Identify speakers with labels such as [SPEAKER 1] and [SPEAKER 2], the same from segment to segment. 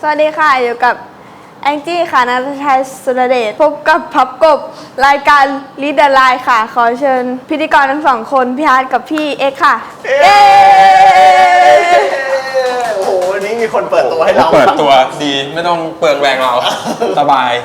[SPEAKER 1] สวัสดีค่ะอยู่กับแองจี้ค่ะนัทชัยสุรเดชพบกับพับกบรายการลีดเดอร์ไลน์ค่ะขอเชิญพิธีกรทั้งสองคนพี่ฮาร์ดกับพี่เอ็กซ์ค่ะเย้
[SPEAKER 2] โอ้โหวันนี้มีคนเปิดตัวให้เรา
[SPEAKER 3] เปิดตัวดีไม่ต้องเปลืองแรงเราสบาย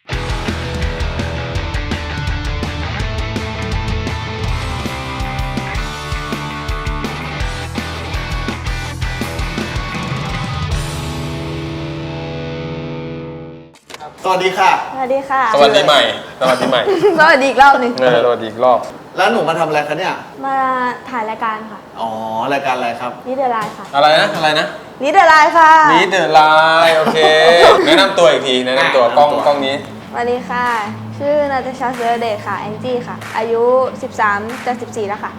[SPEAKER 2] สวัสดีค่ะ
[SPEAKER 1] สวัสดีค่ะ
[SPEAKER 3] สวัสดีใหม่สวัสดีใหม่
[SPEAKER 1] สวัสดีอีกรอบหนึ่ง
[SPEAKER 3] สวัสดีอีกรอบ
[SPEAKER 2] แล้วหนูมาทำอะไรคะเนี่ย
[SPEAKER 1] มาถ่ายรายการค่ะ
[SPEAKER 2] อ๋อรายการอะไรครับ
[SPEAKER 1] ลีดเดอร์ไลน์ค่ะ
[SPEAKER 3] อะไรนะ
[SPEAKER 1] ลีดเดอร์ไลน์ค่ะ
[SPEAKER 3] ลีดเดอร์ไลน์โอเคแนะนำตัวอีกทีแนะนำตัวกล้องนี้
[SPEAKER 1] สวัสดีค่ะชื่อนัทชัยสุรเดชค่ะแองจี้ค่ะอายุ13จะ14แล้วค่ะ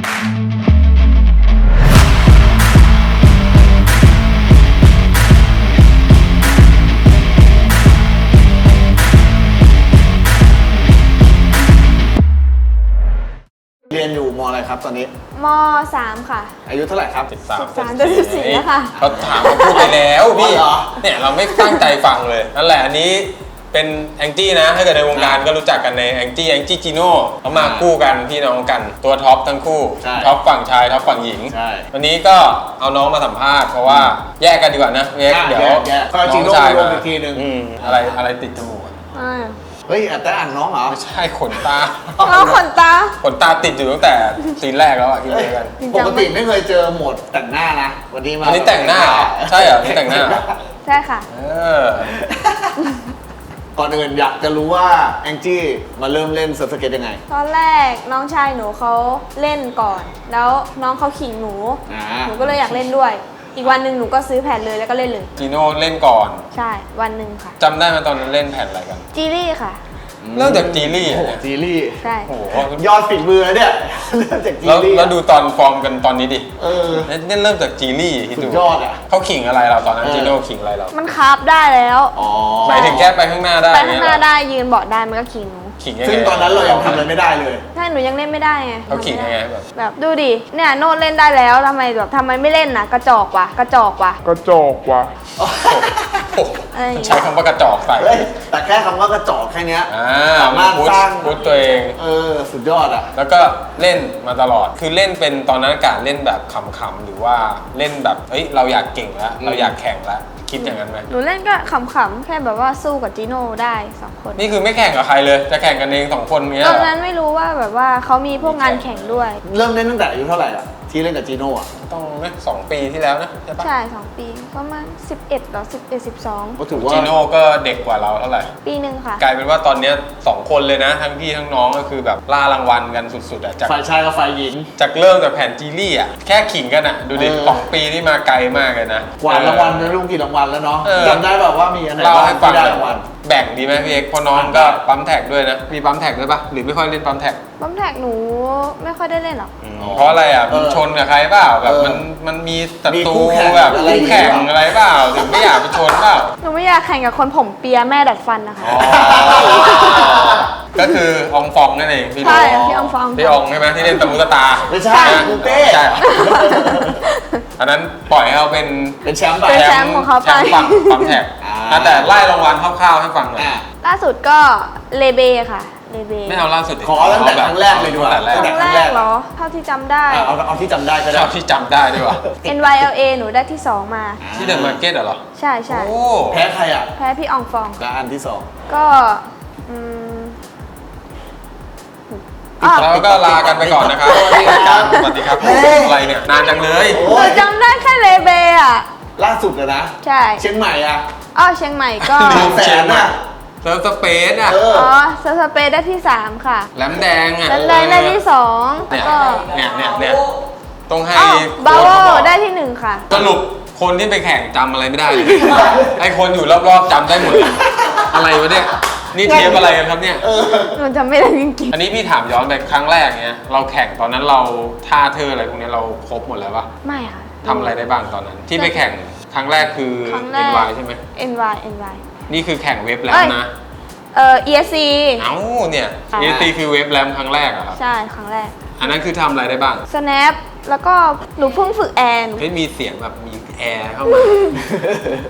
[SPEAKER 2] เรียนอยู่มอะไรครับตอนนี้
[SPEAKER 1] ม3ค่ะ
[SPEAKER 2] อายุเท่าไหร่ครับ
[SPEAKER 1] 13จะ14แล้วค่ะ
[SPEAKER 3] เขาถามเขาพูดไปแล้วพี่
[SPEAKER 2] อ๋อเหรอ
[SPEAKER 3] เนี่ยเราไม่ตั้งใจฟังเลยนั่นแหละอันนี้เป็นแองจี้นะถ้าเกิดในวงการก็รู้จักกันในแองจี้จีโน่เขามาคู่กันพี่น้องกันตัวท็อปทั้งคู่ท็อปฝั่งชายท็อปฝั่งหญิง
[SPEAKER 2] ใช่
[SPEAKER 3] วันนี้ก็เอาน้องมาสัมภาษณ์เพราะว่าแยกกันดีกว่านะเดี๋ยว
[SPEAKER 2] ก็จริงโลกรวมอีกทีหนึ่ง
[SPEAKER 3] อะไรติดจมูกอะ
[SPEAKER 2] เฮ้ยแต่อ่านน้องเหรอ
[SPEAKER 3] ไม่ใช่ขนตา
[SPEAKER 1] น้องขนตา
[SPEAKER 3] ขนตาติดอยู่ตั้งแต่ซีนแรกแล้วอะที่เจอกัน
[SPEAKER 2] ปกติไม่เคยเจอโหมดแต่งหน้านะวันนี้มา
[SPEAKER 3] อันนี้แต่งหน้าเหรอใช่เหรอนี่แต่งหน้าเหรอ
[SPEAKER 1] ใช่ค่ะ
[SPEAKER 3] เออ
[SPEAKER 2] ก่อนอื่นอยากจะรู้ว่าแองจี้มาเริ่มเล่นเซิร์ฟสเก็ตยังไง
[SPEAKER 1] ตอนแรกน้องชายหนูเขาเล่นก่อน แล้วน้องเขาขิงหนู หนูก็เลยอยากเล่นด้วย อีกวันหนึ่งหนูก็ซื้อแผ่นเลยแล้วก็เล่นเลย
[SPEAKER 3] จีโน่เล่นก่อน
[SPEAKER 1] ใช่วันหนึ่งค่ะ
[SPEAKER 3] จำได้ไหมตอนนั้นเล่นแผ่นอะไรกัน
[SPEAKER 1] จีรี่ค่ะ
[SPEAKER 3] เริ่มจากจีรี่
[SPEAKER 2] โอ้
[SPEAKER 3] อะ
[SPEAKER 2] โห
[SPEAKER 3] เนี่ย
[SPEAKER 2] จีรี่
[SPEAKER 1] ใช่
[SPEAKER 3] โอ้โห
[SPEAKER 2] ยอดฝีมือเนี่ยเริ่มจากจี
[SPEAKER 3] แล้ว
[SPEAKER 2] รี่
[SPEAKER 3] แล้วดูตอนฟอร์มกันตอนนี้ดิ
[SPEAKER 2] เออ
[SPEAKER 3] เนี่ยเริ่มจากจีรี่คิด
[SPEAKER 2] สุ
[SPEAKER 3] ดู
[SPEAKER 2] ดยอดอ่ะ
[SPEAKER 3] เขาขิงอะไรเราตอนนั้น
[SPEAKER 2] เออ
[SPEAKER 3] จีโน่ขิงอะไรเรา
[SPEAKER 1] มันคาบได้แล้ว
[SPEAKER 2] อ๋อ
[SPEAKER 3] หมายถึงแค่ไปข้างหน้าได้
[SPEAKER 1] ไปข้างหน้า
[SPEAKER 3] เยเรอ
[SPEAKER 1] ได้ยืนเบาะได้มันก็ขิงหนู
[SPEAKER 3] ขิงยังไง
[SPEAKER 2] ซึ่งตอนนั้นเรายังทำอะไรไม่ได้เลย
[SPEAKER 1] ใช่หนูยังเล่นไม่ได้ไง
[SPEAKER 3] เขาขิงยังไงแบบ
[SPEAKER 1] ดูดิเนี่ยโน้ตเล่นได้แล้วทำไมไม่เล่นนะกระจอกว่ะกระจอกว่ะ
[SPEAKER 3] โอ้โห
[SPEAKER 1] อะไรอย่างเงี้ย
[SPEAKER 3] ใช้คำว่ากระจอกใส่
[SPEAKER 2] เฮ้ยแต่แค่คำว่ากระจอกแค่เนี้ย สามารถ
[SPEAKER 3] พุท
[SPEAKER 2] สร้าง
[SPEAKER 3] ตัวเอง
[SPEAKER 2] สุดยอดอ่ะ
[SPEAKER 3] แล้วก็เล่นมาตลอด คือเล่นเป็นตอนนั้นการเล่นแบบขำๆหรือว่าเล่นแบบเฮ้ยเราอยากเก่งแล้วเราอยากแข่งแล้วคิดอย่างนั้นไหม
[SPEAKER 1] หนูเล่นก็ขำๆแค่แบบว่าสู้กับจีโน่ได้2 คน
[SPEAKER 3] นี่คือไม่แข่งกับใครเลย จะแข่งกันเอง2 คนเนี้ย
[SPEAKER 1] ตอน
[SPEAKER 3] เหรอ
[SPEAKER 1] นั้นไม่รู้ว่าแบบว่าเขามีพวกงานแข่งด้วย
[SPEAKER 2] เริ่มเล่นตั้งแต่อายุเท่าไหร่อ่ะที่เล่นกับจีโน่อ่ะ
[SPEAKER 3] ต้องนะ2 ปีที่แล้วนะใช่ปะ
[SPEAKER 1] ใช่ 2 ปีประมาณ11หรอ11 12
[SPEAKER 2] ก็ถือว่า
[SPEAKER 3] จีโน่ก็เด็กกว่าเราเท่าไหร่
[SPEAKER 1] ปีหนึ่งค่ะ
[SPEAKER 3] กลายเป็นว่าตอนเนี้ย2 คนเลยนะ ทั้งพี่ทั้งน้องก็คือแบบล่ารางวัลกันสุดๆอะจาก
[SPEAKER 2] ฝ่ายชายกับฝ่ายหญิง
[SPEAKER 3] จากเริ่มจากแผ่นจีรี่อะแค่ขิงกันอะดูดิ2 ปีที่มาไกลมากเลยนะ
[SPEAKER 2] กวาดรางวัลนะลุงกี่รางวัลแล้วเนาะ
[SPEAKER 3] เออ
[SPEAKER 2] จำได้แบบว่ามีอันไหน
[SPEAKER 3] เล่า
[SPEAKER 2] บ้าง
[SPEAKER 3] ให้ฟัง
[SPEAKER 2] ที่ได้
[SPEAKER 3] เลย
[SPEAKER 2] รางวัล
[SPEAKER 3] แบ่งดีไหมพี่เอกเพราะน้องก็ปั๊มแท็กด้วยนะมีปั๊มแท็กด้วยปะหรือไม่ค่อยเล่นปั๊มแท็ก
[SPEAKER 1] บัมแท็กหนูไม่ค่อยได้เล่นหรอก
[SPEAKER 3] เพราะอะไรอ่ะมันชนกับใครเปล่าแบบมันมีศัตรูแบบคู่แข่งอะไรเปล่าถึงไม่อยากไปชนเปล่า
[SPEAKER 1] หนูไม่อยากแข่งกับคนผมเปียแม่ดัดฟันนะคะ
[SPEAKER 3] ก็คือองฟองนั่นเองพี่
[SPEAKER 1] ใช่พี่อองฟอง
[SPEAKER 3] พี่องใช่ไหมที่เล่นตะมุตะตา
[SPEAKER 2] ไม่ใช่คุณเต้
[SPEAKER 3] ใช่ อันนั้นปล่อยให้เขาเป็น
[SPEAKER 2] เป็นแชมป์ไป
[SPEAKER 1] เป็นแชมป์ของเขาไป
[SPEAKER 3] แชมป์ฝั่งปั๊มแท็กแต่ไล่รางวัลคร่าวๆให้ฟังหน่อย
[SPEAKER 2] อ่ะ
[SPEAKER 1] ล่าสุดก็เลเบค่ะเลเบ
[SPEAKER 3] ไม่เอาล่าสุดดิ
[SPEAKER 2] ขอตั้งแต่ครั้งแรกเลยดีกว่า
[SPEAKER 3] ตั้งแต่
[SPEAKER 1] ค
[SPEAKER 3] แร
[SPEAKER 1] รั้
[SPEAKER 3] ก
[SPEAKER 1] งแรกเหรอเท่าที่จำได้
[SPEAKER 2] เอาที่จำได้ก็ได้
[SPEAKER 3] ชอบที่จำได้ด้วยว่ะ
[SPEAKER 1] NYLA หนูได้ที่ 2 มา
[SPEAKER 3] ที่เดอะมาร์เก็ตเหรอ
[SPEAKER 1] ใช่ใช่
[SPEAKER 3] โอ้
[SPEAKER 2] แพ้ใครอ่ะ
[SPEAKER 1] แพ้พี่อองฟอง
[SPEAKER 2] และอันที่สอง
[SPEAKER 1] ก็อืม
[SPEAKER 3] แล้วก็ลากันไปก่อนนะครับ
[SPEAKER 2] สวัสดีครับ
[SPEAKER 3] สวัสดีครับ
[SPEAKER 2] เฮ้ย
[SPEAKER 3] อะไรเนี่ย นานจังเลย
[SPEAKER 2] โอ้
[SPEAKER 1] หนูจำได้แค่เลเบอ่ะ
[SPEAKER 2] ล่าสุดเลยนะ
[SPEAKER 1] ใช่
[SPEAKER 2] เชียงใหม่อ่ะ
[SPEAKER 1] เชียงใหม่ก็
[SPEAKER 2] บางแสนอ่ะ
[SPEAKER 3] เซิร์ฟสเปซอ่ะ
[SPEAKER 2] เออ
[SPEAKER 1] สเปซได้ที่ 3 ค่ะ
[SPEAKER 3] แหลมแดงอ่ะ
[SPEAKER 1] แล้วได้ที่ 2
[SPEAKER 3] เนี่ย
[SPEAKER 1] ก็
[SPEAKER 3] เนี่ยต้องให้
[SPEAKER 1] บา
[SPEAKER 3] โค้
[SPEAKER 1] โว
[SPEAKER 3] ชเขาบอก
[SPEAKER 1] ได้ที่ 1 ค่ะ
[SPEAKER 3] สรุปคนที่ไปแข่งจำอะไรไม่ได้เลยไอคนอยู่รอบๆจำได้หมดเลยอะไรวะเนี่ย นี่เทปอะไรกันครับเนี่ย
[SPEAKER 1] หนูจำไม่ได้จริง
[SPEAKER 3] อันนี้พี่ถามย้อนไปครั้งแรกเนี้ย เราแข่งตอนนั้นเราท่าเธออะไรพวกเนี้ยเราครบหมดแล้วปะ
[SPEAKER 1] ๆไม่ค่ะ
[SPEAKER 3] ทำอะไรได้บ้างตอนนั้น ที่ไปแข่งครั้งแรกคือ
[SPEAKER 1] ครั้งแรก
[SPEAKER 3] NY ใช่ไหม
[SPEAKER 1] NY
[SPEAKER 3] นี่คือแข่งเว็บแล้วนะ
[SPEAKER 1] ESC
[SPEAKER 3] เอ้าเนี่ย
[SPEAKER 1] ค่ะ
[SPEAKER 3] ESC คือเว็บแรมครั้งแรกเหรอครับ
[SPEAKER 1] ใช่ครั้งแรก
[SPEAKER 3] อันนั้นคือทำอะไรได้บ้าง
[SPEAKER 1] Snap แล้วก็หนูเพิ่งฝึกแอร์
[SPEAKER 3] เฮ้ยมีเสียงแบบมีแอร์เข้ามามี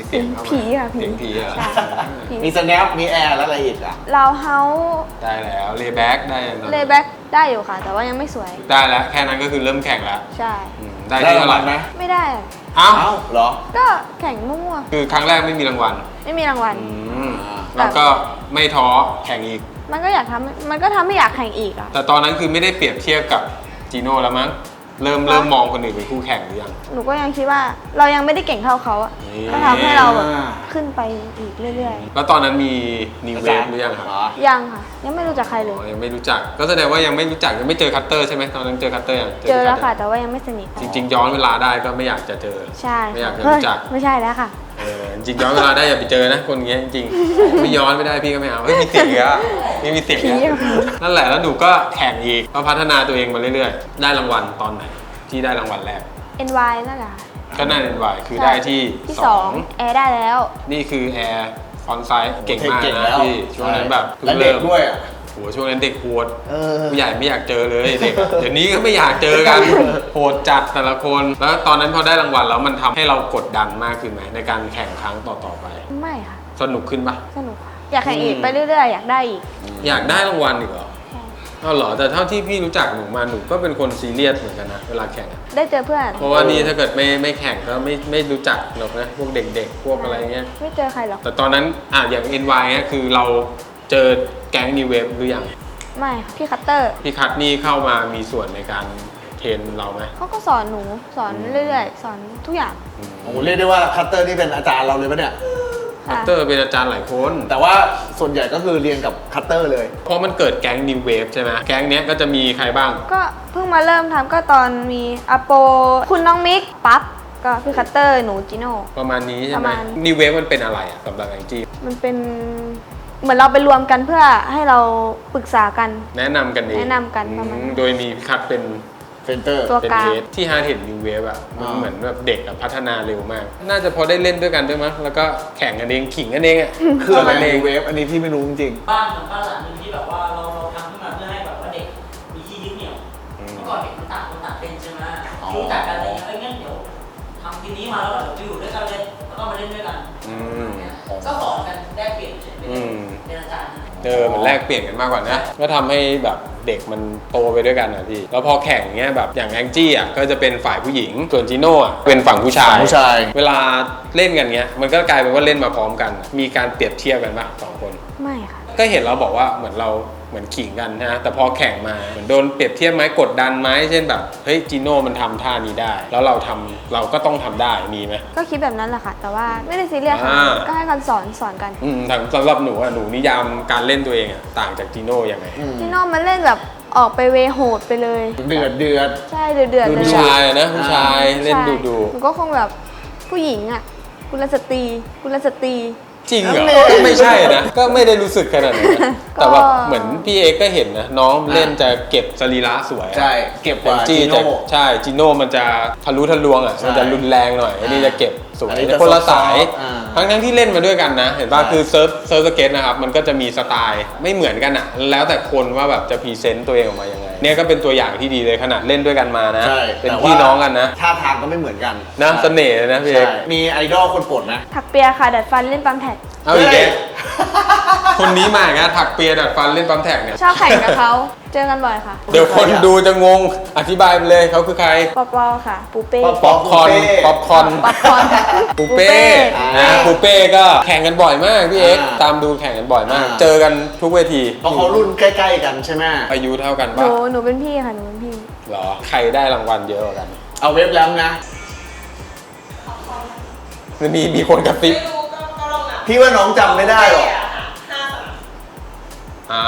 [SPEAKER 3] เสียงเข้ามา
[SPEAKER 1] ผีค่ะผี
[SPEAKER 3] เสียงผีเหรอ
[SPEAKER 1] ใช่ผี
[SPEAKER 2] มีสแนปมีแอร์แล้วอะไรอีกอ่ะ
[SPEAKER 1] เราเฮา
[SPEAKER 3] ได้แล้วเลแบ็กได้แล้ว
[SPEAKER 1] เลแบ็กได้อยู่ค่ะ แต่ว่ายังไม่สวย
[SPEAKER 3] ได้แล้วแค่นั้นก็คือเริ่มแข่งแล้ว
[SPEAKER 1] ใช่
[SPEAKER 3] ได้ที่เท่าไหร่
[SPEAKER 2] ไหม
[SPEAKER 1] ไม่ได้
[SPEAKER 3] เอ้า
[SPEAKER 2] เอ้าเหรอ
[SPEAKER 1] ก็แข่งมั่ว
[SPEAKER 3] คือครั้งแรกไม่มีรางวัล
[SPEAKER 1] ๆไม่มีรางวัล
[SPEAKER 3] แล้วก็ไม่ท้อแข่งอีก
[SPEAKER 1] มันก็อยากทำมันก็ทำให้อยากแข่งอีกอ่ะ
[SPEAKER 3] แต่ตอนนั้นคือไม่ได้เปรียบเทียบกับจีโน่แล้วมั้งเริ่มมองคนอื่นเป็นคู่แข่งหรือยัง
[SPEAKER 1] หนูก็ยังคิดว่าเรายังไม่ได้เก่งเท่าเขาอะ
[SPEAKER 3] นี่
[SPEAKER 1] ก็ทำให้เราแบบขึ้นไปอีกเรื่อย
[SPEAKER 3] แล้วตอนนั้นมีนิวเวฟหรือยังครับ
[SPEAKER 1] ๆ ยังค่ะ ยังไม่รู้จักใครเลย
[SPEAKER 3] อ๋อยังไม่รู้จักก็แสดงว่ายังไม่รู้จักยังไม่เจอคัตเตอร์ใช่ไหมตอนนั้นเจอคัตเตอร์ยัง
[SPEAKER 1] เจอแล้วค่ะ
[SPEAKER 3] คัตเตอร์
[SPEAKER 1] แต่ว่ายังไม่สนิท
[SPEAKER 3] จริง ๆ ย้อนเวลาได้ก็ไม่อยากจะเจอ
[SPEAKER 1] ใช่
[SPEAKER 3] ไม่อยากจะ
[SPEAKER 1] เฮ้ย
[SPEAKER 3] รู้จัก
[SPEAKER 1] ไม่ใช่แล้วค่ะ
[SPEAKER 3] จริงๆย้อนเวลาได้อย่าไปเจอนะคนเงี้ยจริงๆไม่ย้อนไม่ได้พี่ก็ไม่เอาเฮ้ยมีเสียงอีกแล้วไม่มีเสียงอีก
[SPEAKER 1] ผี
[SPEAKER 3] แล้ว
[SPEAKER 1] อะ
[SPEAKER 3] นั่นแหละแล้วหนูก็แข่งอีกก็พัฒนาตัวเองมาเรื่อยๆ ได้รางวัลตอนไหนที่ได้รางวัลแรก
[SPEAKER 1] NY นั่นแหละค่ะ
[SPEAKER 3] ก็น่าเรียนวายคือได้ที่
[SPEAKER 1] ที่
[SPEAKER 3] ส
[SPEAKER 1] ส
[SPEAKER 3] อ
[SPEAKER 1] อง งแอร์ได้แล้ว
[SPEAKER 3] นี่คือแอร์ฟอนไซส์เก่งมาก
[SPEAKER 2] เก่ง
[SPEAKER 3] นะ
[SPEAKER 2] แล้ว
[SPEAKER 3] พี่ช่วงนั้นแบบ
[SPEAKER 2] และเด็กด้วยอ่ะ
[SPEAKER 3] โหช่วงนั้นเด็กโหด
[SPEAKER 2] เออ
[SPEAKER 3] ผู้ใหญ่ไม่อยากเจอเลยเด็ก เดี๋ยวนี้ก็ไม่อยากเจอกัน โหดจัดแต่ละคน แล้วตอนนั้นพอได้รางวัลแล้วมันทำให้เรากดดันมากขึ้นไหมในการแข่งครั้งต่อๆไป
[SPEAKER 1] ไม่ค่ะ
[SPEAKER 3] สนุกขึ้นปะ
[SPEAKER 1] สนุกค่ะ อยากแข่งอีกไปเรื่อยๆ อยากได้อีก
[SPEAKER 3] อยากได้รางวัลอีกเหรอ
[SPEAKER 1] ใช่
[SPEAKER 3] เอาเหรอแต่เท่าที่พี่รู้จักหนูมาหนูก็เป็นคนซีเรียสเหมือนกันนะเวลาแข่งอะ
[SPEAKER 1] ได้เจอเพื่อน
[SPEAKER 3] เพราะว่านี่ถ้าเกิดไม่แข่งก็ไม่รู้จักหรอกนะพวกเด็กๆ พวกอะไรเงี้ย
[SPEAKER 1] ไม่เจอใครหรอก
[SPEAKER 3] แต่ตอนนั้นอย่าง NY เนี่ยคือเราเจอแก๊งนิวเวฟหรือยัง
[SPEAKER 1] ไม่ค่ะพี่คัตเตอร์
[SPEAKER 3] พี่คัทนี่เข้ามามีส่วนในการเทรนเราไหม
[SPEAKER 1] เขาก็สอนหนูสอนเรื่อยๆ สอนทุกอย่าง
[SPEAKER 2] โอ้โหเรียกได้ว่าคัตเตอร์นี่เป็นอาจารย์เราเลยปะเนี่ย
[SPEAKER 3] คั
[SPEAKER 1] ค่ะ
[SPEAKER 3] ตเตอร์เป็นอาจารย์หลายคน
[SPEAKER 2] แต่ว่าส่วนใหญ่ก็คือเรียนกับคัตเตอร์เลย
[SPEAKER 3] เพราะมันเกิดแก๊งนิวเวฟใช่ไหมแก๊งเนี้ยก็จะมีใครบ้าง
[SPEAKER 1] ก็เพิ่งมาเริ่มทำก็ตอนมีอโป คุณน้องมิก ปั๊บ ก็พี่คัตเตอร์ หนูจิโน่
[SPEAKER 3] ประมาณนี้ใช่
[SPEAKER 1] ประ
[SPEAKER 3] ไหม
[SPEAKER 1] มาณ
[SPEAKER 3] นิวเวฟมันเป็นอะไรอะสำหรับแองจี้
[SPEAKER 1] มันเป็นเหมือนเราไปรวมกันเพื่อให้เราปรึกษากัน
[SPEAKER 3] แนะนำกันเอง
[SPEAKER 1] แนะนำกันประมาณนั้น
[SPEAKER 3] โดยมีพี่คัทเป็น
[SPEAKER 2] เซนเตอร์
[SPEAKER 1] ตัว
[SPEAKER 3] เป็น
[SPEAKER 1] กลาง
[SPEAKER 3] เฮดที่ฮาร์ดเห็นนิวเวฟอะมัน
[SPEAKER 2] อ่า
[SPEAKER 3] เหมือนแบบเด็กอะพัฒนาเร็วมาก น่าจะพอได้เล่นด้วยกันด้วยมั้งแล้วก็แข่งกันเองขิงกันเองอะ
[SPEAKER 2] คืออะไร
[SPEAKER 3] กันเอง
[SPEAKER 2] เวฟอันนี้พี่ไม่รู้จริง
[SPEAKER 4] บ้านเหมือนบ้านหลังหนึงที่แบบว่าเราทำขึ้นมาเพื่อให้แบบว่าเด็กมีที่ยึดเหนี่ยวเมื่อก่อนเด็กมันต่างคนต่างเป็นใช่ไหมรู้จักกันอะไรเงี้ยงั้นเดี๋ยวทำทีนี้มาแล้วเดี๋ยวไปอยู่ด้วยกันเลยแล้วก็มาเล่นด้วยกัน
[SPEAKER 3] อืม
[SPEAKER 4] ก็สอนกันแลกเปลี่ยนเฉยๆ
[SPEAKER 3] อืม
[SPEAKER 4] เป็นอาจารย์นะ
[SPEAKER 3] มันแลกเปลี่ยนกันมากกว่านะก็ทำให้แบบเด็กมันโตไปด้วยกันนะพี่แล้วพอแข่งเงี้ยแบบอย่างแองจี้อ่ะก็จะเป็นฝ่ายผู้หญิงส่วนจีโน่อ่ะเป็นฝั่งผู้ชาย
[SPEAKER 2] ผู้ชาย
[SPEAKER 3] เวลาเล่นกันเงี้ยมันก็กลายเป็นว่าเล่นมาพร้อมกัน มีการเปรียบเทียบกันปะสองคน
[SPEAKER 1] ไม่ค่ะ
[SPEAKER 3] ก็เห็นเราบอกว่าเหมือนเราเหมือนขิงกันนะแต่พอแข่งมาเหมือนโดนเปรียบเทียบไหมกดดันไหมเช่นแบบเฮ้ยจีโน่มันทำท่านี้ได้ แล้วเราก็ต้องทำได้มีไหม
[SPEAKER 1] ก็คิดแบบนั้นแหละค่ะ แต่ว่าไม่ได้ซีเรียสค่ะ
[SPEAKER 3] อ่า
[SPEAKER 1] ก็ให้กันสอนกัน
[SPEAKER 3] สำหรับหนูอ่ะหนูนิยามการเล่นตัวเองอ่ะต่างจากจีโน่ยังไง
[SPEAKER 1] พี่โน้มันเล่นแบบออกไปเวโหดไปเลย
[SPEAKER 2] เดือด
[SPEAKER 1] ใช่เดือดๆเลย
[SPEAKER 3] ผู้ชายนะผู้ชายเล่นดู
[SPEAKER 1] หนูก็คงแบบผู้หญิงอ่ะกุลสตรี
[SPEAKER 3] จริงเหรอก็ไม่ใช่นะก็ไม่ได้รู้สึกขนาดนั้นนะแต่แบบเหมือนพี่เอกก็เห็นนะน้องเล่นจะเก็บสรีระสวยอะ
[SPEAKER 2] ใช่ เก็บกว่า
[SPEAKER 3] จี
[SPEAKER 2] จี
[SPEAKER 3] จะ
[SPEAKER 2] โน่
[SPEAKER 3] ใช่จีโน่มันจะทะลุทะลวงอ่ะ
[SPEAKER 2] ใช่
[SPEAKER 3] มันจะรุนแรงหน่อยอันนี้จะเก็บสว
[SPEAKER 2] อั
[SPEAKER 3] ย
[SPEAKER 2] นนี้จะ
[SPEAKER 3] คนละสาย
[SPEAKER 2] อ่า
[SPEAKER 3] ทั้งที่เล่นมาด้วยกันนะ เห็นป่ะ
[SPEAKER 2] ใช่
[SPEAKER 3] คือเซิร์ฟสเก็ตนะครับมันก็จะมีสไตล์ไม่เหมือนกันอ่ะแล้วแต่คนว่าแบบจะพรีเซนต์ตัวเองออกมายังไงเนี่ยก็เป็นตัวอย่างที่ดีเลยขนาดเล่นด้วยกันมานะ
[SPEAKER 2] ใช่
[SPEAKER 3] เป็น
[SPEAKER 2] แต่ว่า
[SPEAKER 3] พี่น้องกันนะ
[SPEAKER 2] ท่าทางก็ไม่เหมือนกัน
[SPEAKER 3] นะเสน่ห์เลยนะพี่เอก
[SPEAKER 2] ใช่มีไอดอลคนโปรดไหม
[SPEAKER 1] ถักเปียค่ะ ดัดฟันเล่นปั๊มแท็ก
[SPEAKER 3] เอาอีกแล้วคนนี้มาอีกแล้วถักเปียดัดฟันเล่นปั๊มแท็กเนี่ย
[SPEAKER 1] ชอบแข่งกับเขา เจอกันบ่อยค่ะ
[SPEAKER 3] เดี๋ยวคนดูจะงงอธิบายไปเลยเขาคือใคร
[SPEAKER 1] ปอปอค่ะ ปูเป้
[SPEAKER 3] ป๊อปคอร์นป๊อปคอร์น
[SPEAKER 1] ป๊อปคอร์น
[SPEAKER 3] ปูเป้นะปูเป้ก็แข่งกันบ่อยมากพี่เอ็กซ์ตามดูแข่งกันบ่อยมาก เจอกันทุกเวที
[SPEAKER 2] เพราะเขารุ่นใกล้ๆกันใช่ไหม
[SPEAKER 3] อายุเท่ากัน
[SPEAKER 1] ห
[SPEAKER 3] ปะ
[SPEAKER 1] นูเป็นพี่ค่ะ หนูเป็นพี่
[SPEAKER 3] เหรอใครได้รางวัลเยอะกว่ากัน
[SPEAKER 2] เอาเว็บแล้วนะ
[SPEAKER 3] มีคนกระซิบ
[SPEAKER 2] พี่ว่าน้องจำไม่ได้หรอก
[SPEAKER 3] อ่า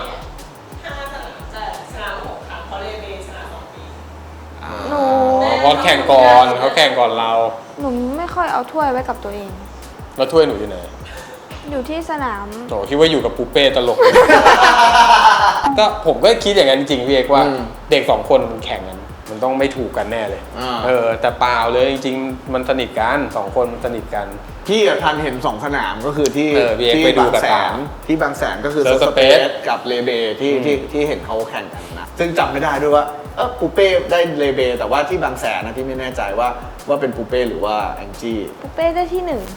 [SPEAKER 1] หนู
[SPEAKER 3] เพราะแข่งก่อนเขาแข่งก่อนเรา
[SPEAKER 1] หนูไม่ค่อยเอาถ้วยไว้กับตัวเอง
[SPEAKER 3] แล้วถ้วยหนูอยู่ไหน
[SPEAKER 1] อยู่ที่สนาม
[SPEAKER 3] โอ้คิดว่าอยู่กับปูเป้ตลก ก็ผมก็คิดอย่างนั้นจริงๆพี่เอกว่า
[SPEAKER 2] อืม
[SPEAKER 3] เด็กสองคนมันแข่งกันมันต้องไม่ถูกกันแน่เลย
[SPEAKER 2] อ่า
[SPEAKER 3] แต่เปล่าเลยจริงๆมันสนิทกันสองคนมันสนิทกัน
[SPEAKER 2] พี่กับทันเห็น2 สนามก็คือที่
[SPEAKER 3] พี่เอก
[SPEAKER 2] ที่
[SPEAKER 3] ไปดู
[SPEAKER 2] บาง
[SPEAKER 3] กับ
[SPEAKER 2] แส
[SPEAKER 3] ตา
[SPEAKER 2] นที่บางแสนก็คือ
[SPEAKER 3] Surf
[SPEAKER 2] สเปซ
[SPEAKER 3] Space
[SPEAKER 2] กับเลเบที่เห็นเขาแข่งกันนะซึ่งจำไม่ได้ด้วยว่าปูเป้ได้เลเบแต่ว่าที่บางแสนนะพี่ไม่แน่ใจว่าเป็นปูเป้หรือว่าแองจี้
[SPEAKER 1] ปูเป้ได้ที่หนึ่ง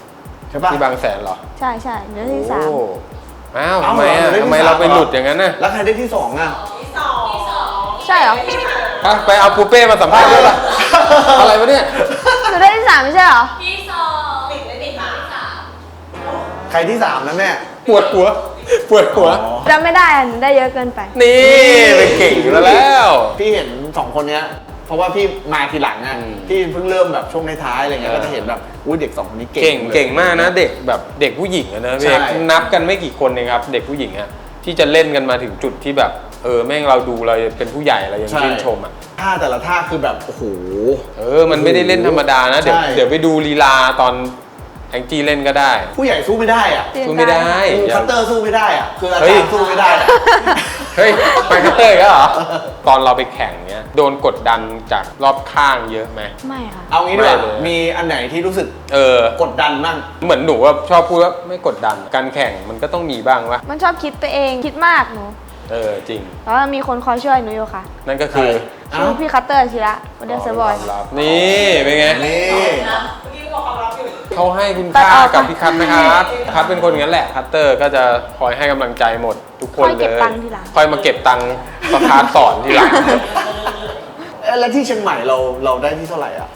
[SPEAKER 2] ใช่ปะ
[SPEAKER 3] ที่บางแสนเหรอ
[SPEAKER 1] ใช่ใช่เดือนที่ 3
[SPEAKER 3] โอ้อ้าว
[SPEAKER 2] เอ้า
[SPEAKER 3] ทำไมอ่ะ
[SPEAKER 2] เราได้ที่
[SPEAKER 3] ทำไม
[SPEAKER 2] สาม
[SPEAKER 3] เราไป
[SPEAKER 2] เหรอ
[SPEAKER 3] หลุดอย่างนั้นน่ะ
[SPEAKER 2] แล้วใครได้ที่สองอ่ะ
[SPEAKER 1] ใช่เหรอ
[SPEAKER 3] ไปเอาปูเป้มาสัมภาษณ์ด้วยป่ะ อะไรวะเนี่ย
[SPEAKER 1] หนูได้ที่ 3 ไม่ใช่เหรอ
[SPEAKER 5] ที่สองติดเลยติดมาสาม
[SPEAKER 2] ใครที่สามนะแม่
[SPEAKER 3] ปวดหัว ปวดหัว
[SPEAKER 2] อ๋อ
[SPEAKER 1] จำไม่ได้อะหนูได้เยอะเกินไป
[SPEAKER 3] นี่เป็นเก่งอยู่แล้ว
[SPEAKER 2] พี่เห็นสองคนเนี้ย เพราะว่าพี่มาทีหลังอ่ะ
[SPEAKER 3] อืม
[SPEAKER 2] พี่เพิ่งเริ่มแบบช่วงท้ายๆอะไรเงี้ย ก็จะเห็นแบบอุ้ยเด็กสองคนนี้เก่ง
[SPEAKER 3] เก่งมากนะเด็กแบบเด็กผู้หญิงอะนะพี่
[SPEAKER 2] ใช่
[SPEAKER 3] เอกนับกันไม่กี่คนเองครับ เด็กผู้หญิงอะที่จะเล่นกันมาถึงจุดที่แบบแม่งเราดูเราเป็นผู้ใหญ่เรายังชื่นชมอะ
[SPEAKER 2] ท่าแต่ละท่าคือแบบโอ้โห
[SPEAKER 3] มันไม่ได้เล่นธรรมดานะ เดี๋ยว
[SPEAKER 2] ใช่
[SPEAKER 3] เดี๋ยวไปดูลีลาตอนแองจี้เล่นก็ได้
[SPEAKER 2] ผู้ใหญ่สู้ไม่ได้อ่ะ
[SPEAKER 3] สู้ไม่ได้
[SPEAKER 2] คัตเตอร์สู้ไม่ได้อ่ะคืออา
[SPEAKER 3] เฮ้
[SPEAKER 2] จาย รย์สู้ไม่ได้อะ
[SPEAKER 3] เฮ้ยไปคัตเตอร์อีก็เหรอ ตอนเราไปแข่งเนี้ยโดนกดดันจากรอบข้างเยอะไหม
[SPEAKER 1] ไม่ค่ะ
[SPEAKER 2] เอางี้ดีกว่า
[SPEAKER 3] ไม่เลย
[SPEAKER 2] มีอันไหนที่รู้สึก
[SPEAKER 3] ก
[SPEAKER 2] กดดันบ้าง
[SPEAKER 3] เหมือนหนูว่าชอบพูดว่าไม่กดดันการแข่งมันก็ต้องมีบ้างวะ
[SPEAKER 1] มันชอบคิดไปเองคิดมากหนู
[SPEAKER 3] จริง
[SPEAKER 1] แต่ว่ามีคนคอยช่วยหนูอยู่ค่ะ
[SPEAKER 3] นั่นก็คือ
[SPEAKER 1] ชื่อพี่คัตเตอร์ชิระวันเดอร์เซอร์บอย
[SPEAKER 3] ความลับนี่เป็นไง
[SPEAKER 2] นี่
[SPEAKER 5] นะเมื่อกี้บอกความลับอยู่
[SPEAKER 3] เขาให้คุณ
[SPEAKER 1] ตัด
[SPEAKER 3] ค่า
[SPEAKER 1] ออก
[SPEAKER 3] กับพี่คัทนะครับคัทเป็นคนอย่างนั้นแหละคัตเตอร์ก็จะคอยให้กำลังใจหมดทุกคน
[SPEAKER 1] คอย
[SPEAKER 3] เล
[SPEAKER 1] เก็บ
[SPEAKER 3] ย
[SPEAKER 1] ตังค์ทีหลัง
[SPEAKER 3] คอยมาเก็บตังค์ประคาสอนทีหลัง
[SPEAKER 2] แล้วที่เชียงใหม่เราได้ที่เท่าไหร่อ่ะ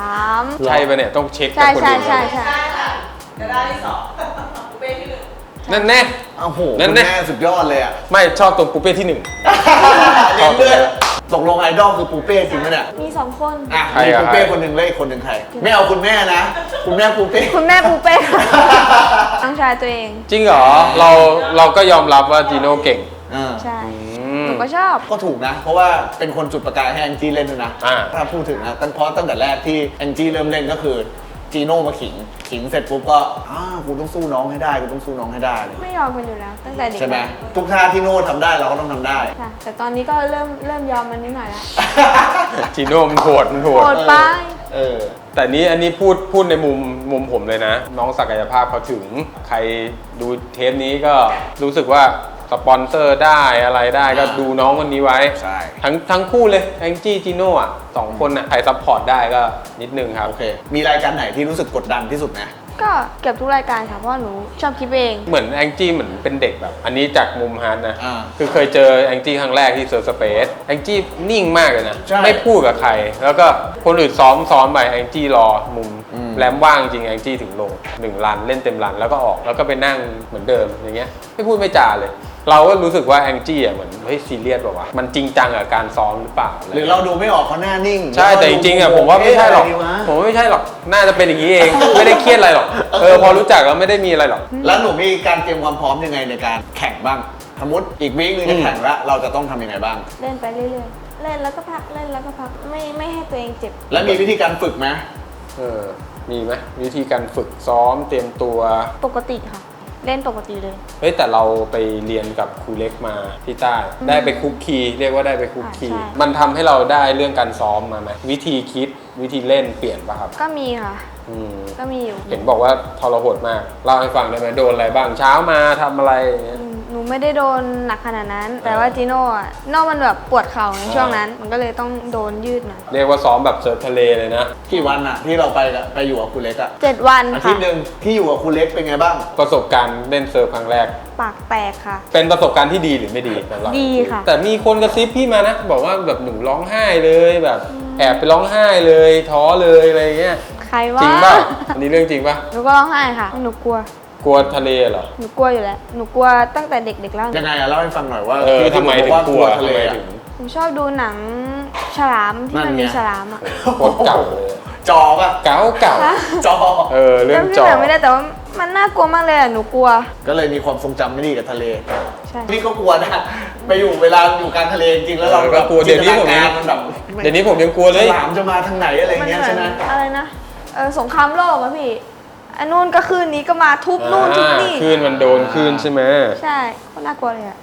[SPEAKER 1] 3
[SPEAKER 3] ใช่ปะเนี่ยต้องเช็ค
[SPEAKER 1] ใช่
[SPEAKER 3] กับคน
[SPEAKER 1] ใช่
[SPEAKER 3] อื่น
[SPEAKER 1] ใช่ใช่
[SPEAKER 5] ใช่ค่ะจะได้ที่สองกูเป็นที่หนึ่ง
[SPEAKER 3] นั่นแน่
[SPEAKER 2] โอ้โห
[SPEAKER 3] นั่น
[SPEAKER 2] คุณ
[SPEAKER 3] แน่
[SPEAKER 2] แม่สุดยอดเลยอ่ะ
[SPEAKER 3] ไม่ชอบตรงปูเป้ที่หนึ่ง
[SPEAKER 2] เน้นเลยตกลงไอดอลคือปูเป้จริงไหมเนี่ย
[SPEAKER 1] มี 2 คน
[SPEAKER 2] อ่ะ
[SPEAKER 3] ใคร
[SPEAKER 2] มี
[SPEAKER 3] อะ
[SPEAKER 2] ปูเป้
[SPEAKER 3] ใคร
[SPEAKER 2] คนหนึ่งแล้วอีกคนหนึ่งใครไม่เอาคุณแม่นะ คุณแม่ปูเป้
[SPEAKER 1] คุณแม่ปูเป้ค่ะน้องชายตัวเอง
[SPEAKER 3] จริงเหรอเราก็ยอมรับว่าจีโน่เก่ง
[SPEAKER 2] อ่า
[SPEAKER 1] ใช่
[SPEAKER 3] อื
[SPEAKER 1] ห
[SPEAKER 3] ม
[SPEAKER 1] นูก็ชอบ
[SPEAKER 2] ก็ถูกนะ เพราะว่าเป็นคนจุดประกายให้แองจี้เล่นด้วยนะ
[SPEAKER 3] อ่า
[SPEAKER 2] ถ้าพูดถึงนะตั้งแต่แรกที่แองจี้เริ่มเล่นก็คือจีโน่มาขิงเสร็จปุ๊บก็กูต้องสู้น้องให้ได้กูต้องสู้น้องให้ได้
[SPEAKER 1] ไม่ยอมกันอยู่แล้ว ตั้งแต่เด็ก
[SPEAKER 2] ใช่ไหม
[SPEAKER 1] แล้ว
[SPEAKER 2] ทุกท่าที่โน่ทำได้เราก็ต้องทำได้
[SPEAKER 1] ค่ะแต่ตอนนี้ก็เริ่มยอมมันนิดหน่อยแล้ว
[SPEAKER 3] จีโน่มันโหด
[SPEAKER 1] โหดไป
[SPEAKER 2] เออ
[SPEAKER 3] แต่อันนี้พูดในมุมผมเลยนะ น้องศักยภาพเขาถึงใครดูเทปนี้ก็รู้สึกว่าสปอนเซอร์ได้อะไรได้ก็ดูน้องคนนี้ไว้
[SPEAKER 2] ใช่
[SPEAKER 3] ทั้งคู่เลยแองจี้จีโน่อะสองคนอะใครซัพพอร์ตได้ก็นิดนึงครับ
[SPEAKER 2] โอเค มีรายการไหนที่รู้สึกกดดันที่สุดไหม
[SPEAKER 1] ก็เก็บทุกรายการค่ะเพราะว่าหนูชอบคิดเอง
[SPEAKER 3] เหมือนแองจี้เหมือนเป็นเด็กแบบ อันนี้จากมุมฮาร์ดนะ
[SPEAKER 2] อ่า
[SPEAKER 3] คือเคยเจอแองจี้ครั้งแรกที่เซิร์ฟสเปซแองจี้นิ่งมากเลยนะ
[SPEAKER 2] ใช่
[SPEAKER 3] ไม่พูดกับใคร แล้วก็คนอื่นซ้อมไปแองจี้รอมุม
[SPEAKER 2] อืม
[SPEAKER 3] แรมว่างจริงแองจี้ถึงลง1 รันเล่นเต็มรันแล้วก็ออกแล้วก็ไปนั่งเหมือนเดิมอย่างเงี้ยไม่พูดไม่จาเลย เราก็รู้สึกว่าแองจี้อ่ะเหมือนเฮ้ยซีเรียสป่าวะมันจริงจังกับการซ้อมหรือเปล่าะไ
[SPEAKER 2] หรือเราดูไม่ออกเขาหน้านิ่ง
[SPEAKER 3] ใช่แต่จริงๆอ่ะผมว่าไม่ใช่หรอก
[SPEAKER 2] เะะไดีวะ
[SPEAKER 3] ผมว่าไม่ใช่หรอกน่าจะเป็นอย่างนี้เอง ไม่ได้เครียดอะไรหรอกพอรู้จักแล้วไม่ได้มีอะไรหรอก
[SPEAKER 2] แล้วหนูมีการเตรียมความพร้อมยังไงในการแข่งบ้าง สมมติอีกวีคนึงจะแข่งแล้วเราจะต้องทำยังไงบ้าง
[SPEAKER 1] เล่นไปเรื่อยๆ เล่นแล้วก็พักเล่นแล้วก็พักไม่ให้ตัวเองเจ็บ
[SPEAKER 2] แล้วมีวิธีการฝึกไหม
[SPEAKER 3] มีไหมวิธีการฝึกซ้อมเตรียมตัว
[SPEAKER 1] ปกติค่ะ เล่นปกติเลย
[SPEAKER 3] เฮ้ยแต่เราไปเรียนกับครูเล็กมาที่ใต้ได้ไปคุกคีเรียกว่าได้ไปคุกคี
[SPEAKER 1] ใช่
[SPEAKER 3] มันทำให้เราได้เรื่องการซ้อมมาไหมวิธีคิดวิธีเล่นเปลี่ยนป่ะครับ
[SPEAKER 1] ก็มีค่ะ
[SPEAKER 3] อืม
[SPEAKER 1] ก็มีอยู่
[SPEAKER 3] เห็นบอกว่าทรหดมากเล่าให้ฟังได้ไหมโดนอะไรบ้างเช้ามาทำอะไรอย่างเงี้ย
[SPEAKER 1] หนูไม่ได้โดนหนักขนาดนั้น แต่ว่าจีโน่อะโน่มันแบบปวดเข่าในช่วงนั้น มันก็เลยต้องโดนยืดหน่อย
[SPEAKER 3] เรียกว่าซ้อมแบบเซิร์ฟทะเลเลยนะ
[SPEAKER 2] กี่วันอะที่เราไปอยู่กับครูเล็กอะ
[SPEAKER 1] 7 วัน
[SPEAKER 2] อาทิ
[SPEAKER 1] ค่ะ
[SPEAKER 2] ตย์หนึ่งที่อยู่กับครูเล็กเป็นไงบ้าง
[SPEAKER 3] ประสบการณ์เล่นเซิร์ฟครั้งแรก
[SPEAKER 1] ปากแตกค่ะ
[SPEAKER 3] เป็นประสบการณ์ที่ดีหรือไม่ดีสำหรับ
[SPEAKER 1] ดีค่ะ
[SPEAKER 3] แต่มีคนกระซิบพี่มานะ บอกว่าแบบหนูร้องไห้เลยแบบแอบไปร้องไห้เลยท้อเลยอะไรเงี้ย
[SPEAKER 1] ใครว่า
[SPEAKER 3] จริงป่ะอันนี้เรื่องจริงป่ะ
[SPEAKER 1] หนูก็ร้องไห้ค่ะหนูกลัว
[SPEAKER 3] กลัวทะเลเหรอ
[SPEAKER 1] หนูกลัวอยู่แล้ว หนูกลัวตั้งแต่เด็กๆแล้ว
[SPEAKER 2] ยังไงอะเล่าให้ฟังหน่อยว่า
[SPEAKER 3] ทำไมถึง
[SPEAKER 2] ว่าก
[SPEAKER 3] ลัว
[SPEAKER 2] ทะเล
[SPEAKER 3] ทำไม
[SPEAKER 2] อะ
[SPEAKER 3] ถึง
[SPEAKER 1] หนูชอบดูหนังฉลามที่มัน
[SPEAKER 2] นั่นไง
[SPEAKER 1] มีฉลามอ่ะ
[SPEAKER 3] โคตรเก่าเลย
[SPEAKER 2] จอป่ะ
[SPEAKER 3] เก่า
[SPEAKER 1] ฮะ
[SPEAKER 2] จอ
[SPEAKER 3] เรื่อง
[SPEAKER 1] จำ
[SPEAKER 3] จ
[SPEAKER 1] ชื่
[SPEAKER 3] อ
[SPEAKER 1] อหนังไม่ได้แต่ว่ามันน่ากลัวมากเลยอะหนูกลัว
[SPEAKER 2] ก็เลยมีความทรงจำไม่ดีกับทะเล
[SPEAKER 1] ใช่
[SPEAKER 2] พี่ก็กลัวนะไปอยู่เวลาอยู่กลางทะเลจริงๆแล้วเรา
[SPEAKER 3] ก็กลัวเดี๋ยวนี้ผม
[SPEAKER 2] จิ
[SPEAKER 3] ยัง
[SPEAKER 2] ตนาการมันแบบ
[SPEAKER 3] เดี๋ยวนี้ผมยังกลัวเลย
[SPEAKER 2] ฉลามจะมาทางไหนอะไร
[SPEAKER 1] มัน
[SPEAKER 2] เงี้ย
[SPEAKER 1] เหมื
[SPEAKER 2] ใช่
[SPEAKER 1] อน
[SPEAKER 2] ไหม
[SPEAKER 1] อะไรนะสงครามโลกอะพี่อันนู่นก็คืนนี้ก็มาทุบนู่นทุบนี่
[SPEAKER 3] คลื่นมันโดนคลื่นใช่ไหม
[SPEAKER 1] ใช่ก็น่ากลัวเลยอะ